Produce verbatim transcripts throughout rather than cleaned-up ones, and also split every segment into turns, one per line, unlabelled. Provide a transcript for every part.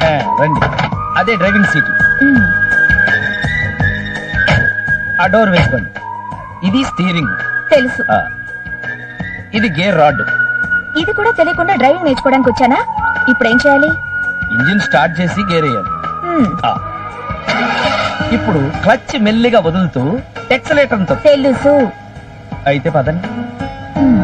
రండి, అదే driving seat. ఆ డోర్ వేసుకోండి. ఇది స్టీరింగ్.
తెలుసు.
ఆ, ఇది గేర్ రాడ్.
ఇది కూడా తెలియకుండా డ్రైవింగ్ నేర్చుకోవడానికి వచ్చానా? ఇప్పుడు ఏం చేయాలి?
ఇంజిన్ స్టార్ట్ చేసి గేర్ వేయాలి.
మ్మ్.
ఆ, ఇప్పుడు క్లచ్ మెల్లిగా వదులుతూ ఎక్సలేటర్ తో.
తెలుసు.
అయితే పదండి.
మ్మ్.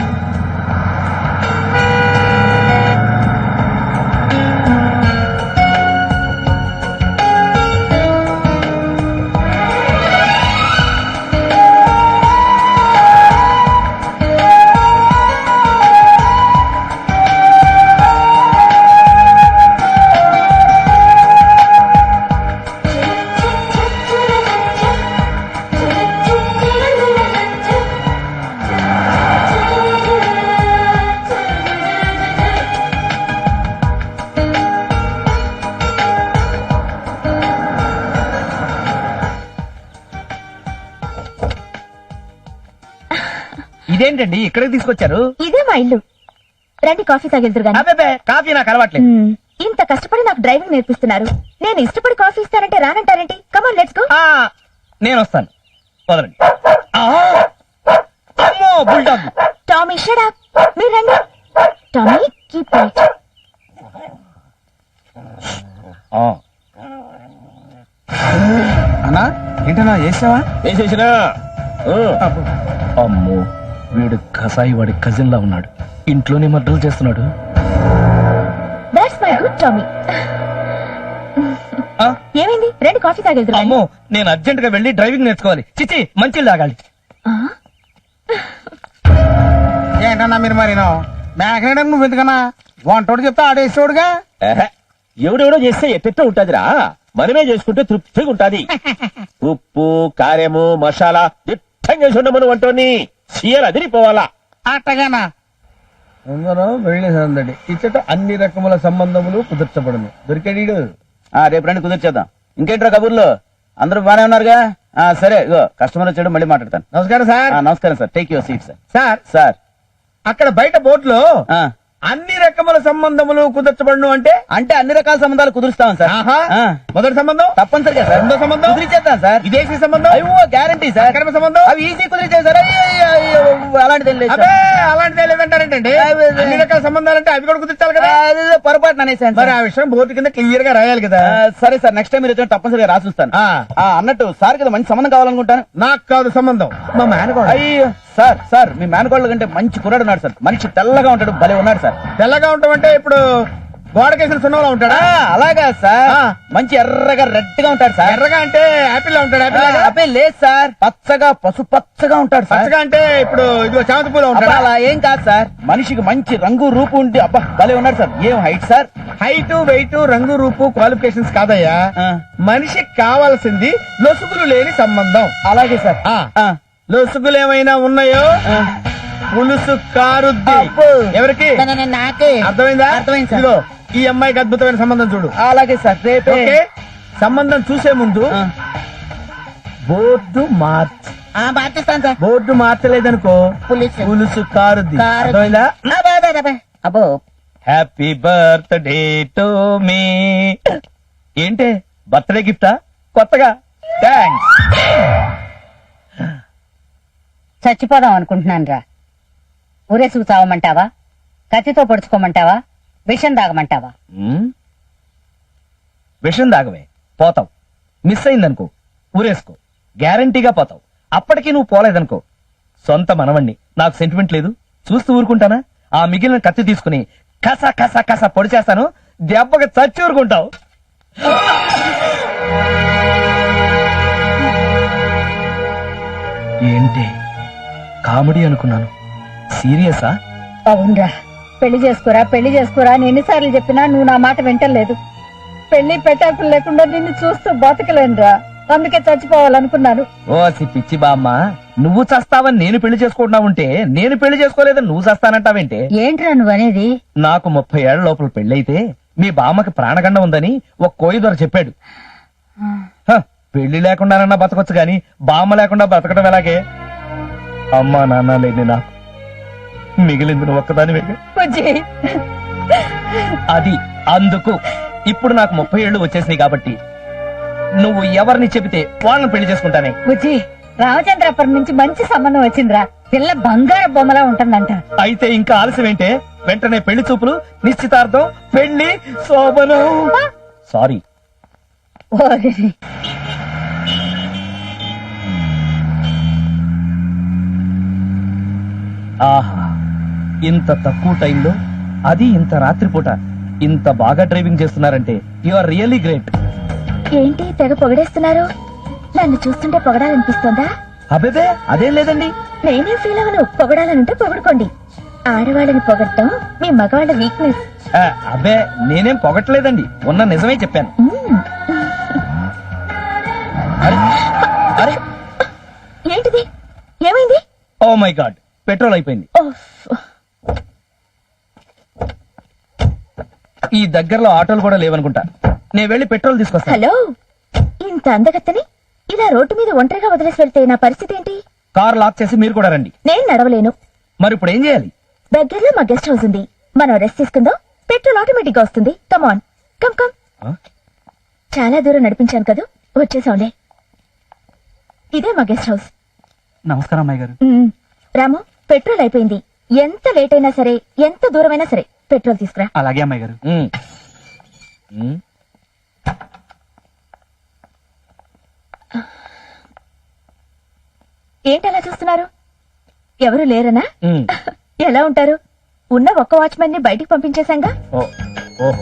ఇదేంటండి ఇక్కడికి తీసుకొచ్చారు?
ఇదే మా ఇల్లు. రండి కాఫీ తాగెళ్తురు గాని.
అబ్బే, కాఫీ నాకు అలవాట్లేదు.
మ్మ్. ఇంత కష్టపడి నాకు డ్రైవింగ్ నేర్పిస్తున్నారు. నేను ఇష్టపడి కాఫీ ఇస్తానంటే రానంటారేంటి? Come on let's go.
ఆ, నేను వస్తాను. వదలండి. ఆ, అమ్మో బుల్డాగ్.
Tommy shut up. మీరు రండి. Tommy keep right.
అన్నా ఏంటన్నా చేసావా?
వేసేసినా. అమ్మో, వీడు కసాయి వాడి కజిన్ లా ఉన్నాడు. ఇంట్లోనే మర్డర్లు చేస్తున్నాడు.
That's my good Tommy.
ఆ,
ఏమైంది? రండి కాఫీ తాగెళ్తురు గాని.
అమ్మో, నేను అర్జెంట్ గా వెళ్ళి డ్రైవింగ్ నేర్చుకోవాలి. చిచి, మంచి తాగాలి.
ఆ?
ఏంటన్నా మీరు మరి మేకనేయడం నువ్వు ఎందుకన్నా? వంటోడు చెప్తే ఆడేసేవాడుగా.
ఎవడెవడో చేస్తే ఎట్టెట్ట ఉంటదిరా, మనమే చేసుకుంటే తృప్తిగా ఉంటది. ఉప్పు కారము మసాలా దిట్టంగా చేసి ఉండమను వంటోని సీఎల్ అదిరిపోవాలా.
అట్టగానా?
అందరూ వెళ్ళేసందడి ఇచ్చట అన్ని రకముల సంబంధములు కుదర్చబడును. దొరికాడు.
రేపు రండి కుదిర్చేద్దాం. ఇంకేంట్రా కబుర్లు? అందరూ బానే ఉన్నారుగా? ఆ, సరే ఇగో కస్టమర్ వచ్చాడు, మళ్ళీ మాట్లాడతాను.
నమస్కారం సార్.
ఆ, నమస్కారం sir. Take your seat sir.
Sir,
sir
అక్కడ బయట బోర్డులో
ఆ,
అన్ని రకముల సంబంధములు కుదర్చబడును అంటే
అంటే అన్ని రకాల సంబంధాలు కుదురుస్తాం సార్.
ఆహా.
ఆ,
మొదటి సంబంధం
తప్పనిసరిగా సార్.
రెండో సంబంధం
కుదిరిచేద్దాం సార్.
విదేశీ సంబంధం,
అయ్యో గ్యారంటీ సార్.
అక్రమ సంబంధం,
అవి ఈజీ కుదిరిచేది సార్. అయ్యో, అయ్యో, అయ్యో, అలాంటిది ఏం లేదు
అబ్బే
సార్.
అలాంటిదే లేదంటారేంటండి?
అదే, అదే.
అన్ని రకాల సంబంధాలంటే అవి కూడా కుదిర్చాలి కదా.
ఆ, అదేదో పొరపాటున అనేసాను
మరి
సార్.
ఆ విషయం బోర్డు కింద క్లియర్ గా రాయాలి కదా.
ఆ, సరే సార్, నెక్స్ట్ టైం మీరు వచ్చిన తప్పనిసరిగా రాసిస్తాను.
ఆ,
ఆ, అన్నట్టు సార్ కదా మంచి సంబంధం కావాలనుకుంటాను.
నాకు కాదు సంబంధం, మా మేనకోడ.
అయ్యో సార్, సార్ మీ మేనకోళ్ళ కంటే మంచి కుర్రాడు ఉన్నాడు సార్. మనిషి తెల్లగా ఉంటాడు, భలే ఉన్నాడు సార్.
తెల్లగా ఉంటామంటే ఇప్పుడు గోడకేసిన సున్నంలో ఉంటాడా?
ఆ, అలాగా సార్.
ఆ.
మంచి ఎర్రగా రెడ్ గా ఉంటాడు సార్.
ఎర్రగా అంటే యాపిల్ లా ఉంటాడు.
ఆ,
యాపిల్ లాగా?
అబ్బే లేదు సార్, పచ్చగా పసుపచ్చగా ఉంటాడు సార్.
పచ్చగా అంటే ఇప్పుడు ఇదిగో చామంతి పూల
అబ్బా,
ఉంటాడా?
అలా ఏం కాదు సార్, మనిషికి మంచి రంగు రూపు ఉండి అబ్బా భలే ఉన్నాడు సార్. ఏం హైట్ సార్?
హైట్, వెయిట్, రంగు, రూపు క్వాలిఫికేషన్స్ కాదయ్యా,
ఆ.
మనిషికి కావాల్సింది లొసుగులు లేని సంబంధం.
అలాగే సార్.
ఆ,
ఆ,
లొసుగులు ఏమైనా ఉన్నాయో
ఆ.
పులుసు కారుద్ది.
అబ్బో.
ఎవరికి?
నాకే
అర్థమైందా?
అర్థమైంది సార్.
ఇదిగో ఈ అమ్మాయికి అద్భుతమైన సంబంధం చూడు.
అలాగే సార్. రేపే
ఓకే, సంబంధం చూసే ముందు
ఆ.
బోర్డు మార్చ్.
మార్చేస్తాను సార్.
బోర్డు మార్చలేదనుకో
పులుసు.
పులుసు కారుద్ది.
కారుద్ది.
అర్థమైందా?
అబ్బా, అబ్బా, అబ్బా. అబ్బో
హ్యాపీ బర్త్డే టు మీ. ఏంటే బర్త్డే గిఫ్టా? కొత్తగా? థ్యాంక్స్.
చచ్చిపోదాం అనుకుంటున్నాను రా. ఊరేసుకు చావమంటావా? కత్తితో పొడుచుకోమంటావా? విషం తాగమంటావా?
ఉమ్, విషం దాగవే, పోతావు. మిస్ అయిందనుకో ఊరేసుకో, గ్యారంటీగా పోతావు. అప్పటికీ నువ్వు పోలేదనుకో, సొంత మనవణ్ణి, నాకు సెంటిమెంట్ లేదు, చూస్తూ ఊరుకుంటానా? ఆ మిగిలిన కత్తి తీసుకుని కస కస కస పొడి చేస్తాను, దెబ్బకి చచ్చి ఊరుకుంటావు. ఏంటి కామెడీ అనుకున్నాను, సీరియసా?
అవునరా, పెళ్లి చేసుకోరా పెళ్లి చేసుకోరా అని ఎన్నిసార్లు చెప్పినా నువ్వు నా మాట వింటలేదు. పెళ్లి పెట్టాకులు లేకుండా నిన్ను చూస్తూ బతకలేనురా, అందుకే చచ్చిపోవాలనుకున్నాను.
ఓ సి పిచ్చి బామ్మ, నువ్వు చస్తావని నేను పెళ్లి చేసుకుంటున్నా ఉంటే నేను పెళ్లి చేసుకోలేదని నువ్వు చస్తానంటావేంటే?
ఏంట్రా నువ్వు అనేది?
నాకు ముప్పై ఏళ్ల లోపల పెళ్ళైతే మీ బామ్మకి ప్రాణగండం ఉందని ఒక కోయి దొర చెప్పాడు. హ, పెళ్లి లేకుండానన్నా బతకొచ్చు గాని బామ్మ లేకుండా బతకడం ఎలాగే? అమ్మా నాన్న లేని నాకు మిగిలింది నువ్వు ఒక్కదాని.
బుజ్జి,
అది అందుకు ఇప్పుడు నాకు ముప్పై ఏళ్ళు వచ్చేసినాయి కాబట్టి నువ్వు ఎవరిని చెబితే వాళ్ళని పెళ్లి చేసుకుంటానే.
బుజ్జి రామచంద్రపురం నుంచి మంచి సంబంధం వచ్చిందిరా. పిల్ల బంగారు బొమ్మలా ఉంటుందంట.
అయితే ఇంకా ఆలస్యం ఏంటే? వెంటనే పెళ్లి చూపులు, నిశ్చితార్థం, పెళ్లి, శోభనం. సారీ.
ఓరి.
ఆహా, ఇంత తక్కువ టైంలో, అది ఇంత రాత్రిపూట ఇంత బాగా డ్రైవింగ్ చేస్తున్నారంటే యు ఆర్ రియల్లీ గ్రేట్.
ఏంటి తెగ పొగడేస్తున్నారు? నన్ను చూస్తుంటే పొగడాలనిపిస్తోందా?
అబేబే అదేం లేదండి.
నేనే ఫీల్ అవను. పొగడాలనుంటే పొగడుకోండి. ఆడవాళ్ళని పొగడటం మీ మగవాళ్ళ వీక్నెస్.
ఆ, అబ్బే నేనేం పొగట్లేదండి, ఉన్న నిజమే చెప్పాను. అరే, అరే,
ఏంటిది? ఏమైంది?
ఓ మై గాడ్, పెట్రోల్ అయిపోయింది.
ఓఫ్.
ఈ దగ్గరలో ఆటోలు కూడా లేవనుకుంటా. నేను వెళ్ళి పెట్రోల్ తీసుకొస్తాను.
హలో, ఇంత అందగత్తని ఇలా రోడ్డు మీద ఒంటరిగా వదిలేసి వెళ్తే నా పరిస్థితి ఏంటి?
కార్ లాక్ చేసి మీరు కూడా రండి.
నేను నడవలేను.
మరి ఇప్పుడు ఏం చేయాలి?
దగ్గరలో మా గెస్ట్ హౌస్ ఉంది. మనం రెస్ట్ తీసుకుందాం. పెట్రోల్ ఆటోమేటిక్ గా వస్తుంది. Come on, come come.
ఆ?
చాలా దూరం నడిపించాను కదా, వచ్చేసాంలే. ఇదే మా గెస్ట్ హౌస్.
నమస్కారం అమ్మాయి గారు.
ఉమ్, రాము, పెట్రోల్ అయిపోయింది. ఎంత లేట్ అయినా సరే, ఎంత దూరమైనా సరే పెట్రోల్ తీసుకురా.
అలాగే అమ్మాయి గారు.
ఏంటలా చూస్తున్నారు? ఎవరు లేరనా? ఎలా ఉంటారు? ఉన్న ఒక్క వాచ్మెన్ ని బయటికి పంపించేశాంగా.
ఓహో.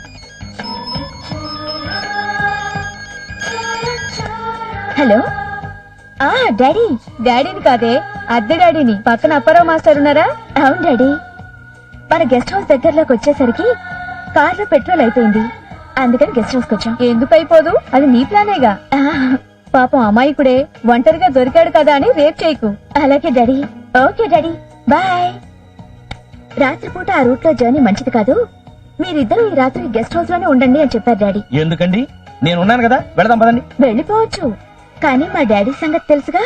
హలో. ఆ డాడీ. డాడీని కాదే, అద్దె డాడీని. పక్కన అప్పారావు మాస్టర్ ఉన్నారా? అవును డాడీ. మన గెస్ట్ హౌస్ దగ్గరలోకి వచ్చేసరికి కార్లో పెట్రోల్ అయిపోయింది. అందుకని గెస్ట్ హౌస్ వచ్చాం. ఎందుకు అయిపోదు? అది నీ ప్లానేగా. పాపం అమాయకుడే ఒంటరిగా దొరికాడు కదా అని రేప్ చేయకు. అలాగే డాడీ. Okay daddy, bye. రాత్రిపూట ఆ రూట్ లో జర్నీ మంచిది కాదు. మీరిద్దరూ ఈ రాత్రి గెస్ట్ హౌస్ లోనే ఉండండి అని చెప్పారు డాడీ.
ఎందుకండి? నేను ఉన్నాను కదా, వెళదాం పదండి.
వెళ్ళిపోవచ్చు, కానీ మా డాడీ సంగతి తెలుసుగా.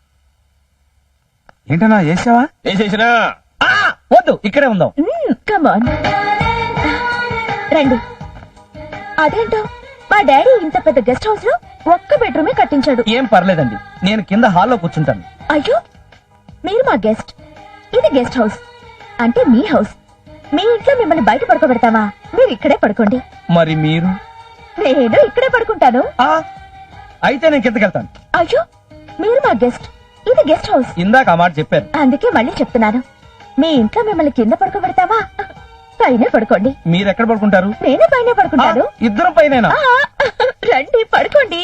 ఏంటన్నా చేసావా?
వేసేసినా
ఆ, వద్దు, ఇక్కడే ఉందాం.
కమాన్, రండి. అదేంటో మా డాడీ ఇంత పెద్ద గెస్ట్ హౌస్ లో ఒక్క బెడ్రూమే కట్టించాడు.
ఏం పర్లేదండి, నేను కింద హాల్లో కూర్చుంటాను.
అయ్యో, మీరు మా గెస్ట్, ఇది గెస్ట్ హౌస్ అంటే మీ హౌస్. మీ ఇంట్లో మిమ్మల్ని బయట పడుకోబెడతామా? మీరు ఇక్కడే పడుకోండి.
మరి మీరు?
నేను ఇక్కడే పడుకుంటాను.
ఆ, అయితే నేను కిందకెళ్తాను.
అయ్యో, మీరు మా గెస్ట్, ఇది గెస్ట్ హౌస్.
ఇందాక ఆ మాట చెప్పారు.
అందుకే మళ్ళీ చెప్తున్నాను, మీ ఇంట్లో మిమ్మల్ని కింద పడుకోబెడతామా? పైనే పడుకోండి.
మీరు ఎక్కడ పడుకుంటారు?
నేనే పైనే పడుకుంటాను.
ఇద్దరం పైన.
ఆ, రండి పడుకోండి.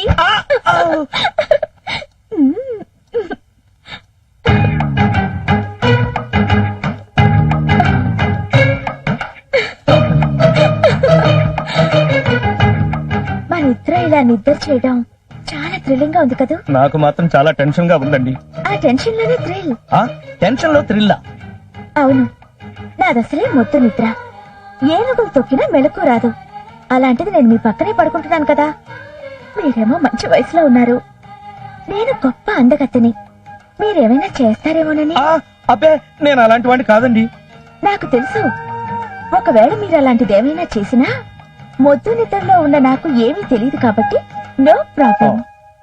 మన ఇద్దరు ఇలా నిద్ర చేయడం చాలా థ్రిల్లింగ్ గా ఉంది కదా.
నాకు మాత్రం చాలా టెన్షన్ గా ఉందండి.
ఆ టెన్షన్ లోనే థ్రిల్.
ఆ టెన్షన్ లో థ్రిల్లా?
అవును, నాదసలే మొద్దు నిద్ర. ఏనుగులు తొక్కినా మెలకు రాదు. అలాంటిది నేను మీ పక్కనే పడుకుంటున్నాను కదా. మీరేమో మంచి వయసులో ఉన్నారు, నేను గొప్ప అందగత్తెని. మీరేమైనా చేస్తారేమోనని.
ఆ, అబ్బే నేను అలాంటి వాడిని కాదండి.
నాకు తెలుసు, ఒకవేళ మీరు అలాంటిదేమైనా చేసినా మొద్దు నిద్రలో ఉన్న నాకు ఏమీ తెలియదు కాబట్టి నో ప్రాబ్లం.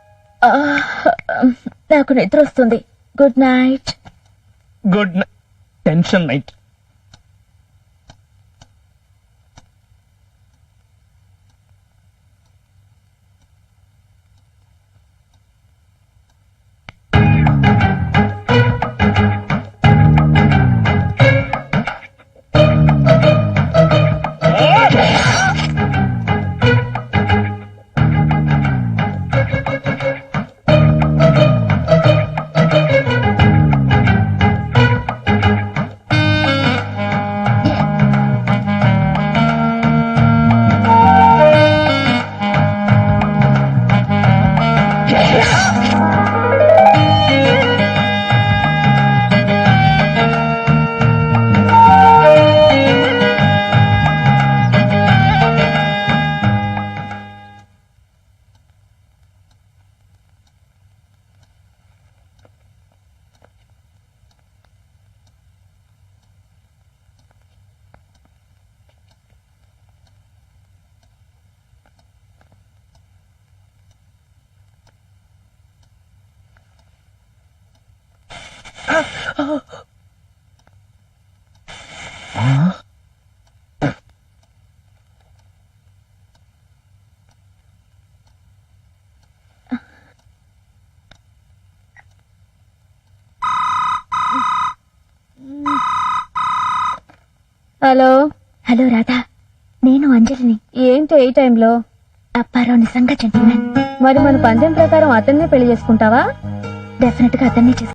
నాకు నిద్ర వస్తుంది. Good night.
Good night. Tension night.
Hello
hello Radha, నేను అంజలిని.
ఏంటి ఈ టైంలో?
అప్పారావు నిజంగా జెంటిల్మెన్.
మరి మన పందెం ప్రకారం అతన్నే పెళ్లి చేసుకుంటావా?
డెఫినెట్ గా అతన్ని